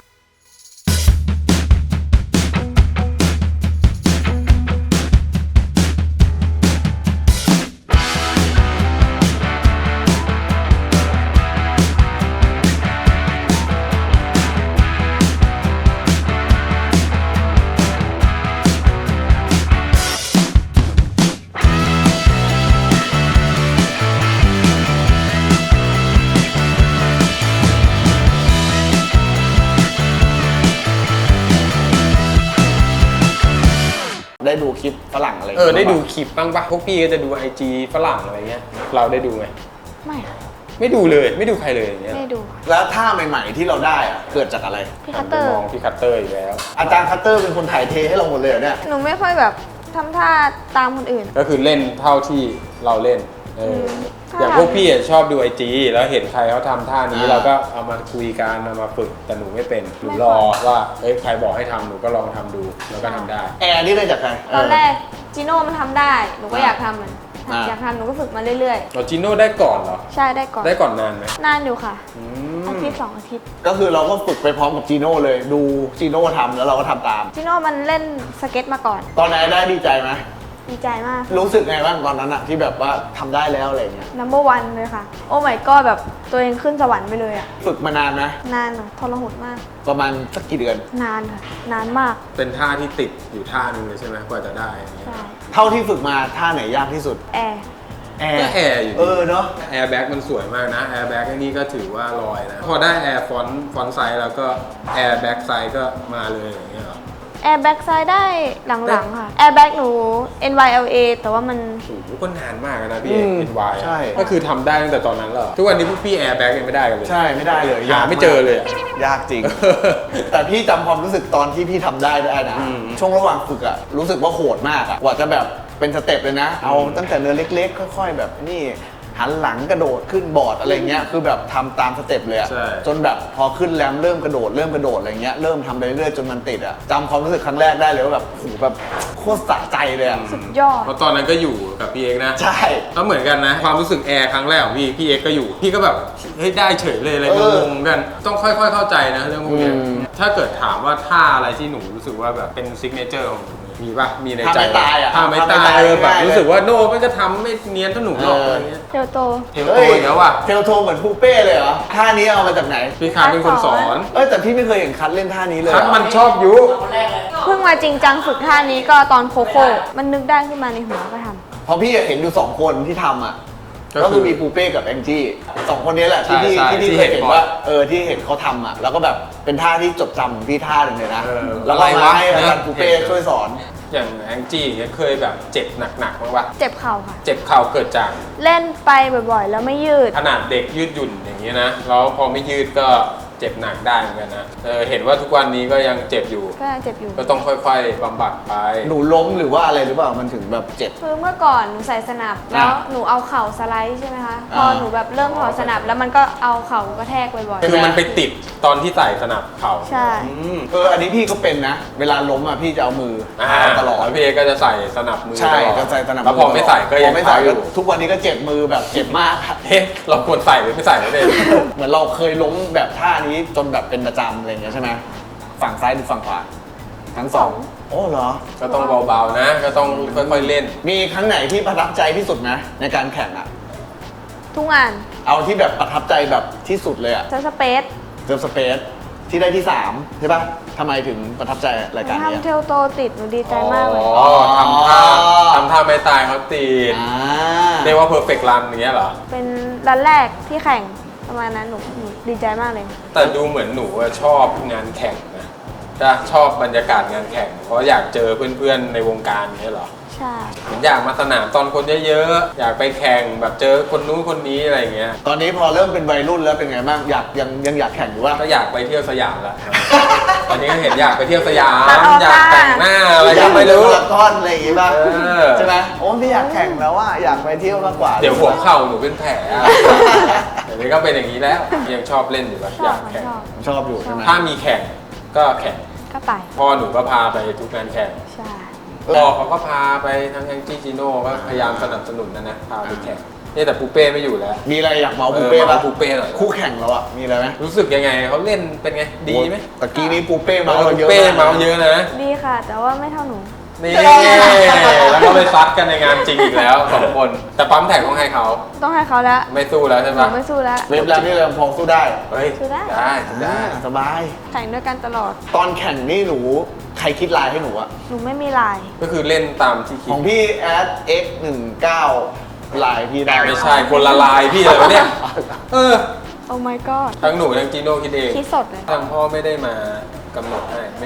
[SPEAKER 2] ได้ดูคลิปฝรั่งอะไร
[SPEAKER 3] ได้ดูคลิปบ้างปะพวกพี่ก็จะดู IG ฝรั่งอะไรเงี้ยเราได้ดูไหม
[SPEAKER 1] ไม่ค่ะ
[SPEAKER 3] ไม่ดูเลยไม่ดูใครเลยอย่างเงี้ย
[SPEAKER 1] ไม่ดู
[SPEAKER 2] แล้วท่าใหม่ๆที่เราได้อะเกิดจากอะไร
[SPEAKER 1] พี่คัตเตอร์
[SPEAKER 3] มองพี่คัตเตอร์อีกแล้ว
[SPEAKER 2] อาจารย์คัตเตอร์เป็นคนถ่ายเทให้เราหมดเลยเหรอเนี่ย
[SPEAKER 1] หนูไม่ค่อยแบบทำท่าตามคนอื่น
[SPEAKER 3] ก็คือเล่นเท่าที่เราเล่นอย่างพวกพี่อะชอบดู IG แล้วเห็นใครเขาทำท่านี้เราก็เอามาคุยกันเอามาฝึกแต่หนูไม่เป็นหนูรอว่าใครบอกให้ทำหนูก็ลองทำดูแล้วก็ทำได้
[SPEAKER 2] แอร์นี่ได้จากใคร
[SPEAKER 1] ตอนแรกจิโน่มันทำได้ หนูก็อยากทำมัน
[SPEAKER 2] อ่า
[SPEAKER 1] อยากทำหนูก็ฝึกมาเรื่อย
[SPEAKER 3] เราจิโน่ได้ก่อนเหรอ
[SPEAKER 1] ๆ ใช่ได้ก่อน
[SPEAKER 3] ได้ก่อนนานไหม
[SPEAKER 1] นานอยู่ค่ะ
[SPEAKER 3] อื
[SPEAKER 1] อาม ทิตย์2 อาทิตย์
[SPEAKER 2] ก็คือเราก็ฝึกไปพร้อมกับจีโน่เลย ดูจีโน่ทำแล้วเราก็ทำตาม
[SPEAKER 1] จิโน่มันเล่นสเก็ตมาก่อน
[SPEAKER 2] ตอนนั้นได้ดีใจไหม
[SPEAKER 1] ดีใจมาก
[SPEAKER 2] รู้สึกไงบ้างตอนนั้นอะที่แบบว่าทำได้แล้วอะไรเงี้ย
[SPEAKER 1] number one เลยค่ะ โอ้ my god แบบตัวเองขึ้นสวรรค์ไปเลยอะ
[SPEAKER 2] ฝึกมานานไหม
[SPEAKER 1] นานอะทรหดมาก
[SPEAKER 2] ประมาณสักกี่เดือน
[SPEAKER 1] นานค่ะ นานมาก
[SPEAKER 3] เป็นท่าที่ติดอยู่ท่านึงเลยใช่ไหมกว่าจะได้อย่างเงี้ย
[SPEAKER 1] ใช่
[SPEAKER 2] เท่าที่ฝึกมาท่าไหนยากที่สุด
[SPEAKER 1] แอร์
[SPEAKER 2] แอร์
[SPEAKER 3] ก็แอร์อยู่
[SPEAKER 2] เนาะ
[SPEAKER 3] แอร์แบ็กมันสวยมากนะแอร์แบ็กนี่ก็ถือว่าลอยนะพอได้แอร์ฟอนต์ไซส์แล้วก็แอร์แบ็กไซส์ก็มาเลยอย่างเงี้ยเหรอ
[SPEAKER 1] แอร์แบ็กซ้ายได้หลังๆค่ะ แอร์แบ็กหนู NYLA แต่ว่ามัน
[SPEAKER 3] โอ้โหก็นานมากนะพี่เอกเป็นวาย
[SPEAKER 2] ใช่
[SPEAKER 3] ก็คือทำได้ตั้งแต่ตอนนั้นเหรอทุกวันนี้พวกพี่แอร์แบ็กยังไม่ได้กันเลย
[SPEAKER 2] ใช่ไม่ได้เลย
[SPEAKER 3] หาไม่เจอเลยอะ
[SPEAKER 2] ยากจริง แต่พี่จำความรู้สึกตอนที่พี่ทำได้นะ
[SPEAKER 3] อืม
[SPEAKER 2] ช่วงระหว่างฝึกอะรู้สึกว่าโหดมากอะกว่าจะแบบเป็นสเต็ปเลยนะ เอาตั้งแต่เนินเล็กๆ ค่อย ๆ แบบนี่หันหลังกระโดดขึ้นบอร์ดอะไรเงี้ยคือแบบทำตามสเต็ปเลยอะ
[SPEAKER 3] ใช่
[SPEAKER 2] จนแบบพอขึ้นแรมเริ่มกระโดดอะไรเงี้ยเริ่มทำไปเรื่อยๆจนมันติดอะจำความรู้สึกครั้งแรกได้เลยว่าแบบโหแบบโคตรสะใจเลยอะ
[SPEAKER 1] สุดยอด
[SPEAKER 3] เพราะตอนนั้นก็อยู่กับพี่เอกนะ
[SPEAKER 2] ใช่
[SPEAKER 3] ก็เหมือนกันนะ ความรู้สึกแอร์ครั้งแรกของพี่เอกก็อยู่ พี่ก็แบบเฮ้ยได้เฉยเลยอะไรงงๆกัน ต้องค่อยๆเข้าใจนะเรื่องพวกเนี้ย
[SPEAKER 2] อืม
[SPEAKER 3] ถ้าเกิดถามว่าท่าอะไรที่หนูรู้สึกว่าแบบเป็นซิกเนเจอร์ของหนูมีป่ะมีในใจ
[SPEAKER 2] ท่าไม่ตายอะ
[SPEAKER 3] ท่าไม่ตาย
[SPEAKER 2] ท่าไม่ตาย
[SPEAKER 3] แบบ
[SPEAKER 2] ง่ายๆ
[SPEAKER 3] รู้สึกว่าโน่ไม่ก็ทำไม่เนียนเท่าหนูหรอกอะไรเงี้ย
[SPEAKER 1] เทลโต
[SPEAKER 3] เทลโตอีกแล้วว่ะ
[SPEAKER 2] เทลโทเหมือนปูเป้เลยเหรอท่านี้เอามาจากไหน
[SPEAKER 3] พี่คาร์เป็นคนสอน
[SPEAKER 2] แต่พี่ไม่เคยเห็นคัทเล่นท่านี้เลย
[SPEAKER 3] คัดมันชอบยุ
[SPEAKER 4] คนแรกเลย
[SPEAKER 1] เพิ่งมาจริงจังฝึกท่านี้ก็ตอนโคโค่ มันนึกได้ขึ้นมาในหัวก็ทำ
[SPEAKER 2] เพราะพี่เห็นอยู่2 คนที่ทำอ่ะ
[SPEAKER 3] ก็
[SPEAKER 2] ก็
[SPEAKER 3] คื
[SPEAKER 2] คือ อมีปูเป้กับแองจี้2 คนนี้แหละที่พี่
[SPEAKER 3] ใช่
[SPEAKER 2] ที่
[SPEAKER 3] ที่
[SPEAKER 2] เคย
[SPEAKER 3] เห็
[SPEAKER 2] เห็
[SPEAKER 3] น
[SPEAKER 2] น
[SPEAKER 3] บ่อย
[SPEAKER 2] ว่าที่เห็นเขาทำอ่ะแล้วก็แบบเป็นท่าที่จดจำของพี่ท่าหนึ่งเลยนะ
[SPEAKER 3] เออ
[SPEAKER 2] แล้วก็
[SPEAKER 3] อะไร
[SPEAKER 2] มาว
[SPEAKER 3] ะ
[SPEAKER 2] ให้อาจารย์ปูเป้ช่วยสอน
[SPEAKER 3] อย่างแองจี้เนี่ยเคยแบบเจ็บหนักๆบ้างปะ
[SPEAKER 1] เจ็บเข่าค่ะ
[SPEAKER 3] เจ็บเข่าเกิดจาก
[SPEAKER 1] เล่นไปบ่อยๆ แล้วไม่ยืด
[SPEAKER 3] ขนาดเด็กยืดหยุ่นอย่างนี้นะ แล้วพอไม่ยืดก็เจ็บหนักได้เหมือนกันนะเห็นว่าทุกวันนี้ก็ยังเจ็บอยู่
[SPEAKER 1] ก็เจ็บอยู่
[SPEAKER 3] ก็ต้องค่อยๆบำบัดไป
[SPEAKER 2] หนูล้มหรือว่าอะไรหรือเปล่ามันถึงแบบเจ็บ
[SPEAKER 1] คือเมื่อก่อนหนูใส่สนับ แล้วหนูเอาเข่าสไลด์ใช่ไหมคะ พอหนูแบบเริ่มถอดสนับแล้วมันก็เอาเข่ากระแทกบ่อย
[SPEAKER 3] คือมันไปติดตอนที่ใส่สนับเข่า
[SPEAKER 1] ใช่
[SPEAKER 2] อันนี้พี่ก็เป็นนะ เวลาล้มอ่ะพี่จะเอามือเอาตลอด
[SPEAKER 3] แล้วพี่เอก็จะใส่สนับมือ
[SPEAKER 2] ใช่
[SPEAKER 3] ตลอด
[SPEAKER 2] จะใส่สนับ
[SPEAKER 3] แล้วพอไม่ใส่ก็
[SPEAKER 2] พ
[SPEAKER 3] ยั
[SPEAKER 2] อง ไม่
[SPEAKER 3] เท้า
[SPEAKER 2] ใส่
[SPEAKER 3] อ
[SPEAKER 2] ก็
[SPEAKER 3] ยู่
[SPEAKER 2] ทุกวันนี้ก็เจ็บมือแบบเจ็บมากอะ
[SPEAKER 3] เอ๊ะเราควรใส่หรือไม่ใส่ไม่ได้
[SPEAKER 2] เหมือนเราเคยล้มแบบท่านี้จนแบบเป็นประจำอะไรอย่างเงี้ยใช่ไหมฝั่งซ้ายหรือฝั่งขวาทั้งสองโอ้เหรอ
[SPEAKER 3] ก็ต้องเบาๆนะ ก็ต้องค่อยๆเล่น
[SPEAKER 2] มีครั้งไหนที่ประทับใจที่สุดไหมในการแข่งอะ
[SPEAKER 1] ทุกงาน
[SPEAKER 2] เอาที่แบบประทับใจแบบที่สุดเลยอะ
[SPEAKER 1] จะสเปซ
[SPEAKER 2] เซิร์ฟสเปซที่ได้ที่3ใช่ปะทำไมถึงประทับใจรายการเนี้ย
[SPEAKER 1] ทำเทลโตติดหนูดีใจมากเลย
[SPEAKER 3] อ๋อทำท่าไม่ตายเขาตีด
[SPEAKER 2] อ่า
[SPEAKER 3] เรียกว่า perfect run อย่างเงี้ยเหรอ
[SPEAKER 1] เป็นรันแรกที่แข่งประมาณนั้นหนูดีใจมากเลย
[SPEAKER 3] แต่ดูเหมือนหนูอะชอบงานแข่งนะจะชอบบรรยากาศงานแข่ง เพราะอยากเจอเพื่อนๆในวงการเนี้ยเหรอ
[SPEAKER 1] ใช่
[SPEAKER 3] เหมือนอยากมาสนามตอนคนเยอะๆ อยากไปแข่งแบบเจอคนนู้นคนนี้อะไรอย่างเงี้ย
[SPEAKER 2] ตอนนี้พอเริ่มเป็นวัยรุ่นแล้วเป็นไงบ้างอยากยังอยากแข่งอยู่ว่า
[SPEAKER 3] ก็อยากไปเที่ยวสยามแล้ว ตอนนี้ก็เห็นอยากไปเที่ยวสยาม
[SPEAKER 1] ตัดออก
[SPEAKER 3] อยากแต่งหน้าอะไรก็ไม่รู้
[SPEAKER 2] อยากเป็นพารากอนอะไรอย่างงี้ป่ะ
[SPEAKER 3] เออ
[SPEAKER 2] ใช่ไหมโอ้พี่อยากแข่งแล้วว่าอยากไปเที่ยวมากกว่า
[SPEAKER 3] เดี๋ยวหัวเข่าหนูเป็นแผลอะเดี๋ยวนี้ก็เป็นอย่างนี้แล้ว ยังชอบเล่นอยู่ปะ
[SPEAKER 1] ช
[SPEAKER 3] อ
[SPEAKER 1] อบ
[SPEAKER 3] ยาก
[SPEAKER 1] ค่ะ
[SPEAKER 3] แข่ง
[SPEAKER 1] ชอบ
[SPEAKER 2] ชอบอยู่ใช่ไหม
[SPEAKER 3] ถ้ามีแข่งก็แข่ง
[SPEAKER 1] ก็ไป
[SPEAKER 3] พ่อหนูก็พาไปทุกงานแข่ง
[SPEAKER 1] ใช่
[SPEAKER 3] พ่อเขาก็พาไปทั้งแองจี้จิโน่ก็พยายามสนับสนุนนะพาไปแข่งนี่แต่ปูเป้ไม่อยู่แล้ว
[SPEAKER 2] มีอะไรอยากเมาปูเป้ป่ะ
[SPEAKER 3] ปูเป้หน่อย
[SPEAKER 2] คู่แข่งเราอะมีอะไรไหม
[SPEAKER 3] รู้สึกยังไงเขาเล่นเป็นไงดีไหม
[SPEAKER 2] ตะกี้นี้ปูเป้เมาเรา
[SPEAKER 3] ปู
[SPEAKER 2] เยอะ
[SPEAKER 3] เป้
[SPEAKER 2] มาก
[SPEAKER 3] เมาเยอะนะ
[SPEAKER 1] ดีค่ะ แต่ว่าไม่เท่าหนู
[SPEAKER 3] นี่แล้วก็ไปซัดกันในงานจริงอีกแล้วสองคน แต่ปั๊มแท็กต้องให้เขา
[SPEAKER 1] ต้องให้เขาแล้ว
[SPEAKER 3] ไม่สู้แล้วใช่
[SPEAKER 1] ห
[SPEAKER 3] ไหม
[SPEAKER 1] นูไม่สู้แล้ว
[SPEAKER 2] เว็บแล้วนี่เราพอสู้ได้
[SPEAKER 3] เฮ้ย
[SPEAKER 1] สู้ได้
[SPEAKER 3] ได้
[SPEAKER 2] สบาย
[SPEAKER 1] แข่งด้วยกันตลอด
[SPEAKER 2] ตอนแข่งนี่หนูใครคิดลายให้หนูอะ
[SPEAKER 1] หนูไม่มีลาย
[SPEAKER 3] ก็คือเล่นตามที่คิ
[SPEAKER 2] ข
[SPEAKER 3] ด
[SPEAKER 2] องพี่แอด X19 ลายพี่ได้
[SPEAKER 3] ไม่ใช่คนละลายพี่เลยวะเนี่ยเออ
[SPEAKER 1] โอ้ my god
[SPEAKER 3] ทั้งหนูทั้งจีโน่คิดเอง
[SPEAKER 1] คิดสดเลย
[SPEAKER 3] ทางพ่อไม่ได้มากำหนดให้ไม่มี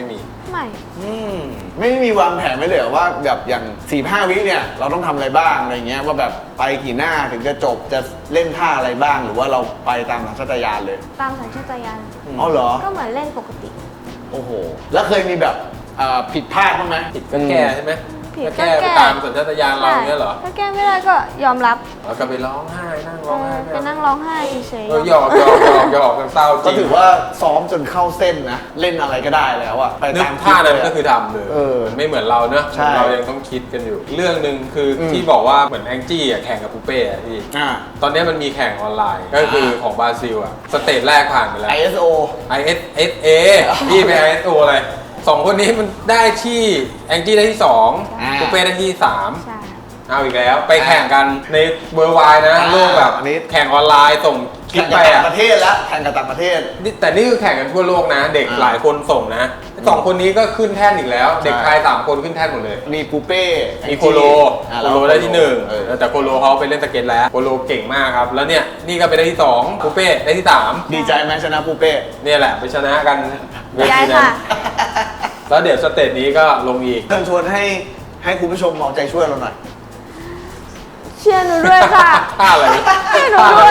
[SPEAKER 1] ไม่
[SPEAKER 2] ไม่มีวางแผนไว้เลยเหรอว่าแบบอย่าง 4-5 วิเนี่ยเราต้องทำอะไรบ้างอะไรเงี้ยว่าแบบไปกี่หน้าถึงจะจบจะเล่นท่าอะไรบ้าง หรือว่าเราไปตามสัญชาตญาณเลย
[SPEAKER 1] ตามสัญชาตญาณ
[SPEAKER 2] อ๋อเหรอ
[SPEAKER 1] ก็เหมือนเล่นปกติ
[SPEAKER 2] โอ้โหแล้วเคยมีแบบผิดพลาดบ้างไหม
[SPEAKER 3] ผิดก็แก้ใช่ไหม
[SPEAKER 1] ผิด
[SPEAKER 3] ก็
[SPEAKER 1] ก็
[SPEAKER 3] แก้
[SPEAKER 1] แก้
[SPEAKER 3] ไปตามสัญชาตญาณเราเนี่ยเหรอ
[SPEAKER 1] ถ้าแก้ไม่ได้ก็ยอมรับ
[SPEAKER 3] แล้วก็ไปร้องไห้นั่งร้องไห้
[SPEAKER 1] ไปนั่งร้องไห้เฉย
[SPEAKER 3] หยอกกันเศร้าจ
[SPEAKER 2] ก็
[SPEAKER 3] ริง
[SPEAKER 2] ถือว่าซ้อมจนเข้าเส้นนะเล่นอะไรก็ได้แล้วอะไป
[SPEAKER 3] นึก
[SPEAKER 2] ตาม
[SPEAKER 3] ท่านั้นก็
[SPEAKER 2] ค
[SPEAKER 3] คื
[SPEAKER 2] ลิ
[SPEAKER 3] อ
[SPEAKER 2] ป
[SPEAKER 3] ทำเลย
[SPEAKER 2] เออ
[SPEAKER 3] ไม่เหมือนเราเนอะ
[SPEAKER 2] ใช่
[SPEAKER 3] เรายังต้องคิดกันอยู่ เรื่องหนึ่งคืออที่บอกว่าเหมือนแองจี้อะแข่งกับปูเป้อะพี่
[SPEAKER 2] อ่า
[SPEAKER 3] ตอนนี้มันมีแข่งออนไลน์ ก็คือของบราซิลอะสเตจแรกผ่านไปแล้ว
[SPEAKER 2] ISO
[SPEAKER 3] ISA พี่ไป ISO อะไรสองคนนี้มันได้ที่แองจี้ได้ที่2ปูเป้ได้ที่
[SPEAKER 1] ๆใช่
[SPEAKER 3] 3เอาอีกแล้วไปแข่งกันในเวอร์ไวนะ
[SPEAKER 2] อ่า
[SPEAKER 3] โลกแบบ
[SPEAKER 2] อันนี้
[SPEAKER 3] แข่งออนไลน์ส่งคลิ
[SPEAKER 2] แข่
[SPEAKER 3] ป
[SPEAKER 2] ง
[SPEAKER 3] ไป
[SPEAKER 2] กับต่า
[SPEAKER 3] อะ
[SPEAKER 2] งประเทศแล้วแข่งกับต่างประเทศ
[SPEAKER 3] แต่นี่คือแข่งกันทั่วโลกนะ เด็ก
[SPEAKER 2] อ่า
[SPEAKER 3] หลายคนส่งนะสองคนนี้ก็ขึ้นแท่นอีกแล้ว เด็กไทย3คนขึ้นแท่นหมดเลย
[SPEAKER 2] มีปูเป้
[SPEAKER 3] มีโคโล
[SPEAKER 2] อ่า
[SPEAKER 3] โคโลได้ที่หนึ่ง
[SPEAKER 2] เออ
[SPEAKER 3] แต่โคโลเขาไปเล่นสเก็ตแล้วโคโลเก่งมากครับ แล้วเนี่ยนี่ก็ไปได้ที่2ปูเป้ได้ที่3
[SPEAKER 2] ดีใจไหมชนะปูเป้
[SPEAKER 3] เนี่ยแหละไปชนะกันเว
[SPEAKER 1] ย้า
[SPEAKER 3] ที
[SPEAKER 1] ย
[SPEAKER 3] นั้
[SPEAKER 1] ค่ะ
[SPEAKER 3] นแล้วเดี๋ยวสเตจนี้ก็ลงอีก
[SPEAKER 2] เชิญชวนให้คุณผู้ชมเอาใจช่วยเราหน่อย
[SPEAKER 1] เชียร์หนูด้วยค่ะ
[SPEAKER 3] ท่าอะไร
[SPEAKER 1] เชียร์หนูด้วย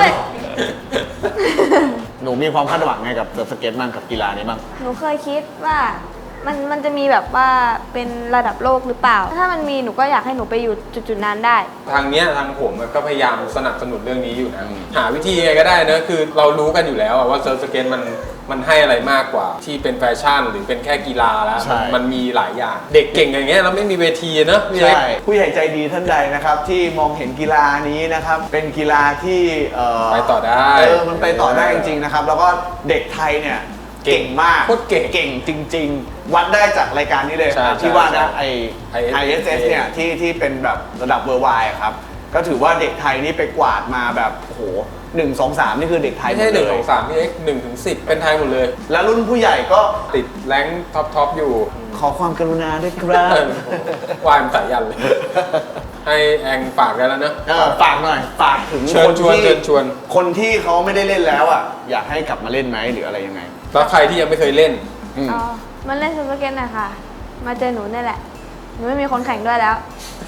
[SPEAKER 2] หนูมีความคาดหวังไงกับเซิร์ฟสเก็ตบ้างกับกีฬานี้บ้าง
[SPEAKER 1] หนูเคยคิดว่ามันจะมีแบบว่าเป็นระดับโลกหรือเปล่า ถ้ามันมีหนูก็อยากให้หนูไปอยู่จุดๆนั้นได้
[SPEAKER 3] ทางเนี้ยทางผมก็พยายามสนับสนุนเรื่องนี้อยู่นะ หาวิธียังไงก็ได้นะคือเรารู้กันอยู่แล้วอะว่าเซิร์ฟสเก็ตมันให้อะไรมากกว่า ที่เป็นแฟชั่นหรือเป็นแค่กีฬาแล้ว
[SPEAKER 2] ใช่
[SPEAKER 3] มันมีหลายอย่าง เด็กเก่งอย่างเงี้ยเราไม่มีเวทีเนอะพี่เล็ก
[SPEAKER 2] ใช่ผู้ใหญ่ใจดีท่านใดนะครับที่มองเห็นกีฬานี้นะครับเป็นกีฬาที่
[SPEAKER 3] ไปต่อได้
[SPEAKER 2] มันไปต่อได้จริงๆนะครับแล้วก็เด็กไทยเนี่ยเก่งมาก
[SPEAKER 3] โคตรเก่ง
[SPEAKER 2] เก่งจริง ๆ วัดได้จากรายการนี้เลย
[SPEAKER 3] ใช่
[SPEAKER 2] ที่ว่านะ
[SPEAKER 3] ใช่
[SPEAKER 2] ISS เนี่ยที่เป็นแบบระดับเวอร์ไวครับก็ถือว่าเด็กไทยนี่ไปกวาดมาแบบโอ้โห1 2 3นี่คือเด็กไทย
[SPEAKER 3] ไม่
[SPEAKER 2] หม
[SPEAKER 3] ใช่
[SPEAKER 2] ด
[SPEAKER 3] 1
[SPEAKER 2] เลย
[SPEAKER 3] 2 3พี่เล็ก1 ถึง 10 เป็นไทยหมดเลย
[SPEAKER 2] แล้วรุ่นผู้ใหญ่ก็
[SPEAKER 3] ติดแรงค์ท็อปอยู่
[SPEAKER 2] ขอความกรุณาด้วยครับ
[SPEAKER 3] วายมันสายยันเลย ให้แองฝากกันแล้วเนอะ
[SPEAKER 2] ฝากหน่อยฝากถึง
[SPEAKER 3] เชิญชวน
[SPEAKER 2] ที่
[SPEAKER 3] เชิญชวน
[SPEAKER 2] คนที่เขาไม่ได้เล่นแล้วอ่ะอยากให้กลับมาเล่นไหมหรืออะไรยังไง
[SPEAKER 3] แล้วใครที่ยังไม่เคยเล่น
[SPEAKER 2] อืม
[SPEAKER 1] อ๋อมันเล่นสเก็ตหน่อยค่ะ มาเจอหนูนี่แหละ หนูไม่มีคนแข่งด้วยแล้ว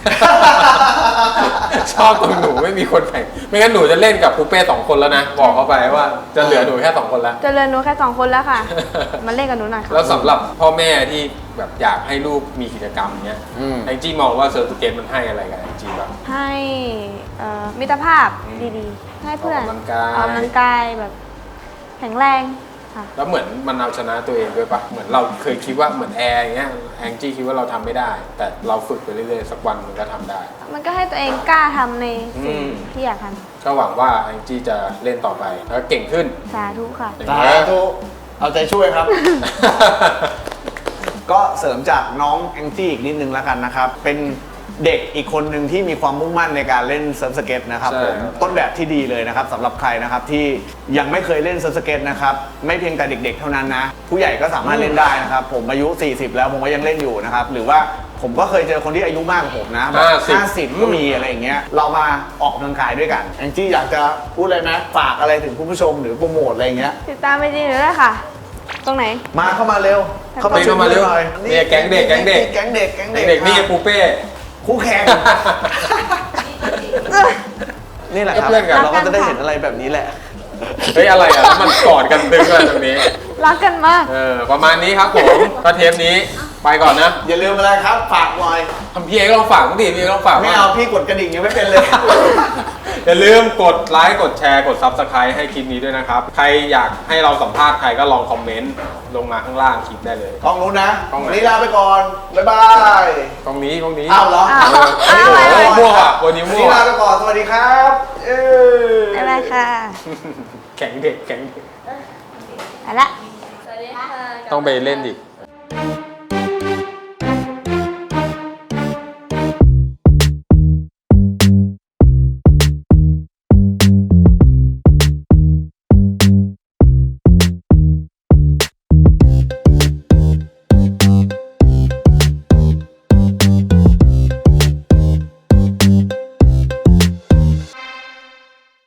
[SPEAKER 3] ชอบตรงหนูไม่มีคนแข่ง ไม่งั้นหนูจะเล่นกับปูเป้2 คนแล้วนะ บอกเขาไปว่าจะเหลือหนูแค่2 คนแล้ว
[SPEAKER 1] เจอเรียนหนูแค่2 คนแล้วค่ะ มาเล่นกับหนูหน่อยค่ะ
[SPEAKER 3] แล้วสำหรับพ่อแม่ที่แบบอยากให้ลูกมีกิจกรรมเนี้ย
[SPEAKER 2] อืม
[SPEAKER 3] แองจี้มองว่าเซิร์ฟสเก็ตมันให้อะไรกับแองจี้บ้าง
[SPEAKER 1] ให้มิตรภาพดีๆ ให้เพื่อน
[SPEAKER 3] ออกกำลังกาย
[SPEAKER 1] ออกกำลังกายแบบแข็งแรงค่ะ
[SPEAKER 3] แล้วเหมือนมันเอาชนะตัวเองด้วยปะเหมือนเราเคยคิดว่าเหมือนแอร์อย่างเงี้ยแองจี้คิดว่าเราทำไม่ได้ แต่เราฝึกไปเรื่อยๆสักวันมันก็ทำได้
[SPEAKER 1] มันก็ให้ตัวเองกล้าทำในสิ่ง
[SPEAKER 3] อืม
[SPEAKER 1] ที่อยากท
[SPEAKER 3] ก็หวังว่าแองจี้จะเล่นต่อไปแล้วเก่งขึ้น
[SPEAKER 1] ำสาธุค่ะ
[SPEAKER 2] สาธุเอาใจช่วยครับ ก็เสริมจากน้องแองจี้อีกนิดนึงแล้วกันนะครับ เป็นเด็กอีกคนหนึ่งที่มีความมุ่งมั่นในการเล่นเซิร์ฟสเก็ตนะครับ
[SPEAKER 3] ใช่
[SPEAKER 2] ผมต้นแบบที่ดีเลยนะครับสำหรับใครนะครับที่ยังไม่เคยเล่นเซิร์ฟสเก็ตนะครับไม่เพียงแต่เด็กๆเท่านั้นนะผู้ใหญ่ก็สามารถเล่นได้นะครับผมอายุ 40 แล้วผมก็ยังเล่นอยู่นะครับหรือว่าผมก็เคยเจอคนที่อายุมากกว่าผมนะแบบ50 ก็มีอะไรอย่างเงี้ยเรามาออกกำลังกายด้วยกันแองจี้อยากจะพูดอะไรไหมฝากอะไรถึงคุณผู้ชมหรือโปรโมทอะไรอย่างเงี้ย
[SPEAKER 1] ติดตามไปจริงหรือได้ค่ะ ตรงไหน
[SPEAKER 2] มาเข้ามาเร็ว
[SPEAKER 3] เข้ามาเร็ว
[SPEAKER 2] หน่อย
[SPEAKER 3] เนี่ยแก๊งเด็ก
[SPEAKER 2] แก๊งเด็ก
[SPEAKER 3] เด็กๆนี่
[SPEAKER 2] ครับ
[SPEAKER 3] ปูเป้
[SPEAKER 2] คู่แข่ง นี่แหละครับ
[SPEAKER 3] เพื่อนกัน
[SPEAKER 2] เราก็จะได้เห็นอะไรแบบนี้แหละ
[SPEAKER 3] เฮ้ยอะไรอ่ะแล้วมันกอดกันตึงเลยตรงนี้
[SPEAKER 1] รักกันมาก
[SPEAKER 3] ประมาณนี้ครับผมก็เทปนี้ไปก่อนนะ
[SPEAKER 2] อย่าลืมอะไรครับ ฝากหน่อย
[SPEAKER 3] ทำพี่เอกลองฝากมั้งดิพี่เอกลองฝาก
[SPEAKER 2] ไม่
[SPEAKER 3] บ้าง
[SPEAKER 2] เอาพี่กดกระดิ่งยังไม่เป็นเลย
[SPEAKER 3] อย่าลืมกดไลค์กดแชร์กด Subscribe ให้คลิปนี้ด้วยนะครับ ใครอยากให้เราสัมภาษณ์ใครก็ลองคอมเมนต์ลงมาข้างล่างคลิปได้เลย
[SPEAKER 2] กล้องนู้นนะ
[SPEAKER 3] กล้องไหน
[SPEAKER 2] วันนี้ลาไปก่อน บ๊ายบาย
[SPEAKER 3] ตรงนี้
[SPEAKER 2] อ้าวเหรอ
[SPEAKER 1] อ้าว
[SPEAKER 3] โอ้โห
[SPEAKER 1] อ้าว
[SPEAKER 3] มั่วอ่ะวันนี้
[SPEAKER 2] วัน
[SPEAKER 3] มั่
[SPEAKER 2] นี้
[SPEAKER 3] ว
[SPEAKER 2] ลาไปก่อน สวัสดีครับเอ้ย
[SPEAKER 1] อะไรค่ะ
[SPEAKER 3] แข็งเด็กแข็งเด็ก
[SPEAKER 1] ไปละ
[SPEAKER 5] สวัสดีค่ะ
[SPEAKER 3] ต้องไปเล่นดิ
[SPEAKER 1] ไ